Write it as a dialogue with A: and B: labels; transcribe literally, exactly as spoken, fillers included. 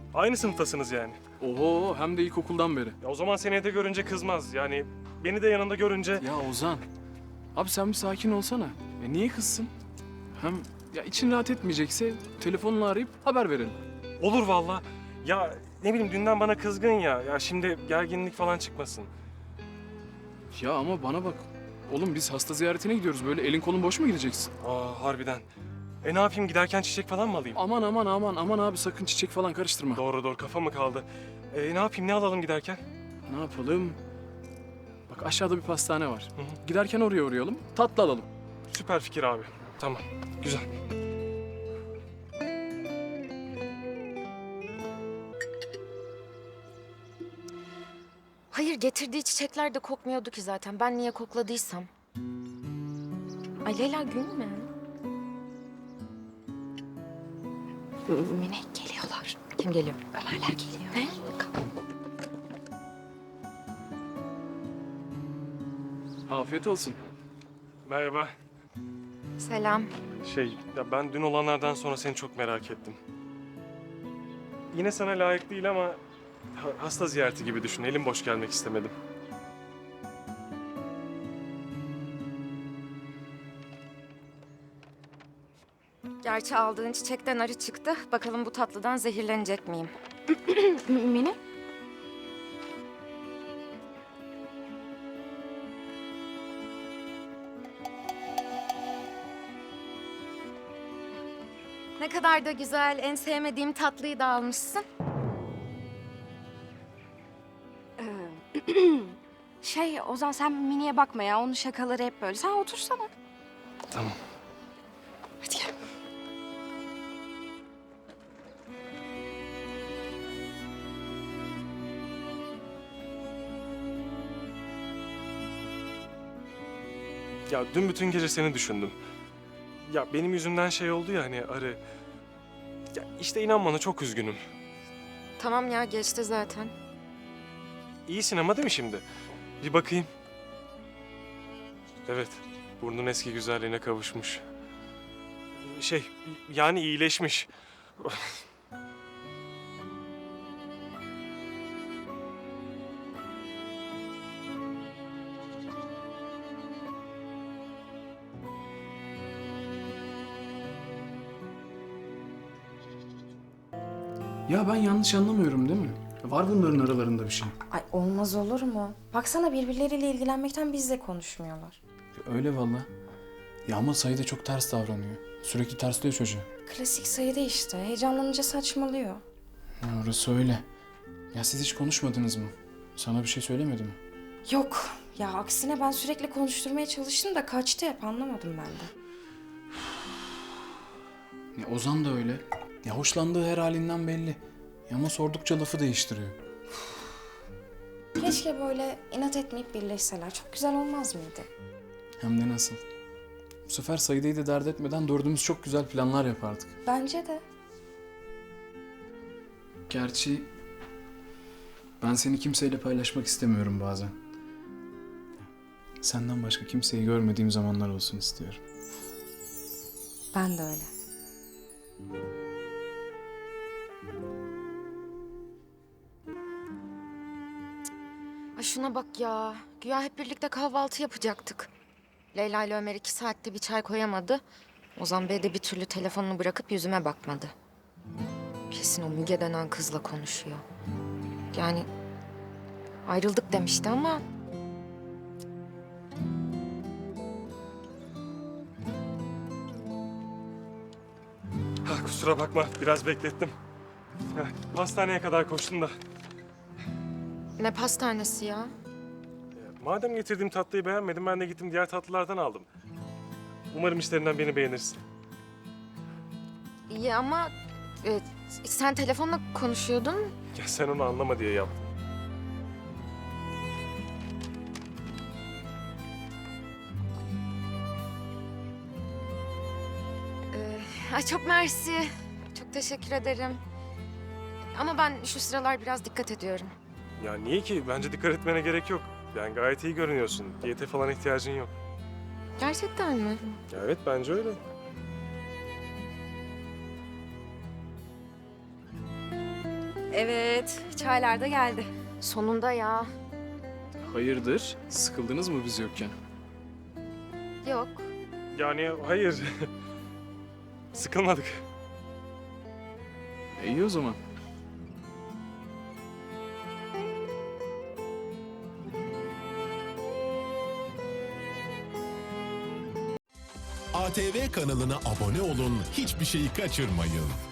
A: Aynı sınıftasınız yani.
B: Oho, hem de ilkokuldan beri.
A: Ya o zaman seni de görünce kızmaz. Yani beni de yanında görünce...
B: Ya Ozan, abi sen bir sakin olsana. Ya niye kızsın? Hem ya için rahat etmeyecekse telefonla arayıp haber verelim.
A: Olur vallahi. Ya ne bileyim dünden bana kızgın ya. Ya şimdi gerginlik falan çıkmasın.
B: Ya ama bana bak. Oğlum biz hasta ziyaretine gidiyoruz. Böyle elin kolun boş mu gideceksin?
A: Aa harbiden. E ne yapayım giderken çiçek falan mı alayım?
B: Aman aman aman aman abi sakın çiçek falan karıştırma.
A: Doğru doğru kafa mı kaldı? E ne yapayım ne alalım giderken?
B: Ne yapalım? Bak aşağıda bir pastane var.
A: Hı hı.
B: Giderken oraya uğrayalım. Tatlı alalım.
A: Süper fikir abi. Tamam. Güzel.
C: Hayır, getirdiği çiçekler de kokmuyordu ki zaten. Ben niye kokladıysam. Ay Leyla gülme. Mine geliyorlar. Kim geliyor? Ömerler geliyor. Ne?
B: Afiyet olsun.
A: Merhaba.
C: Selam.
A: Şey ya ben dün olanlardan sonra seni çok merak ettim. Yine sana layık değil ama ha- hasta ziyareti gibi düşün. Elim boş gelmek istemedim.
C: Gerçi aldığın çiçekten arı çıktı. Bakalım bu tatlıdan zehirlenecek miyim? Mine? Ne kadar da güzel. En sevmediğim tatlıyı da almışsın.
D: Şey Ozan sen Mini'ye bakma ya. Onun şakaları hep böyle. Sen otursana.
A: Tamam.
D: Hadi gel.
A: Ya dün bütün gece seni düşündüm. Ya benim yüzümden şey oldu ya hani arı. Ya işte inan bana çok üzgünüm.
C: Tamam ya geçti zaten.
A: İyisin ama değil mi şimdi? Bir bakayım. Evet, burnun eski güzelliğine kavuşmuş. Şey, yani iyileşmiş.
B: Ya ben yanlış anlamıyorum değil mi? Var bunların aralarında bir şey.
E: Ay olmaz olur mu? Baksana birbirleriyle ilgilenmekten bizle konuşmuyorlar.
B: Öyle valla. Ya ama Sayı da çok ters davranıyor. Sürekli tersliyor çocuğu.
E: Klasik Sayıda işte. Heyecanlanınca saçmalıyor.
B: Ha, orası öyle. Ya siz hiç konuşmadınız mı? Sana bir şey söylemedi mi?
E: Yok. Ya aksine ben sürekli konuşturmaya çalıştım da kaçtı hep anlamadım ben de.
B: Ya Ozan da öyle. Ya hoşlandığı her halinden belli. Ya ama sordukça lafı değiştiriyor.
E: Keşke böyle inat etmeyip birleşseler. Çok güzel olmaz mıydı?
B: Hem de nasıl. Bu sefer Sayıda'yı da dert etmeden dördümüz çok güzel planlar yapardık.
E: Bence de.
B: Gerçi ben seni kimseyle paylaşmak istemiyorum bazen. Senden başka kimseyi görmediğim zamanlar olsun istiyorum.
E: Ben de öyle.
C: Ay şuna bak ya. Güya hep birlikte kahvaltı yapacaktık. Leyla ile Ömer iki saatte bir çay koyamadı. Ozan Bey de bir türlü telefonunu bırakıp yüzüme bakmadı. Kesin o Müge denen kızla konuşuyor. Yani ayrıldık demişti ama...
A: Ha, kusura bakma, biraz beklettim. Ha, hastaneye kadar koştum da.
C: Ne pastanesi ya?
A: Madem getirdiğim tatlıyı beğenmedin, ben de gittim diğer tatlılardan aldım. Umarım işlerinden beni beğenirsin.
C: İyi ama e, sen telefonla konuşuyordun.
A: Ya sen onu anlama diye yaptım.
C: Ee, ay çok mersi. Çok teşekkür ederim. Ama ben şu sıralar biraz dikkat ediyorum.
A: Ya niye ki? Bence dikkat etmene gerek yok. Yani gayet iyi görünüyorsun. Diyete falan ihtiyacın yok.
C: Gerçekten mi?
A: Ya evet, bence öyle.
D: Evet, çaylar da geldi.
C: Sonunda ya.
B: Hayırdır? Sıkıldınız mı biz yokken?
C: Yok.
A: Yani hayır. Sıkılmadık.
B: E, iyi o zaman.
F: A T V kanalına abone olun, hiçbir şeyi kaçırmayın.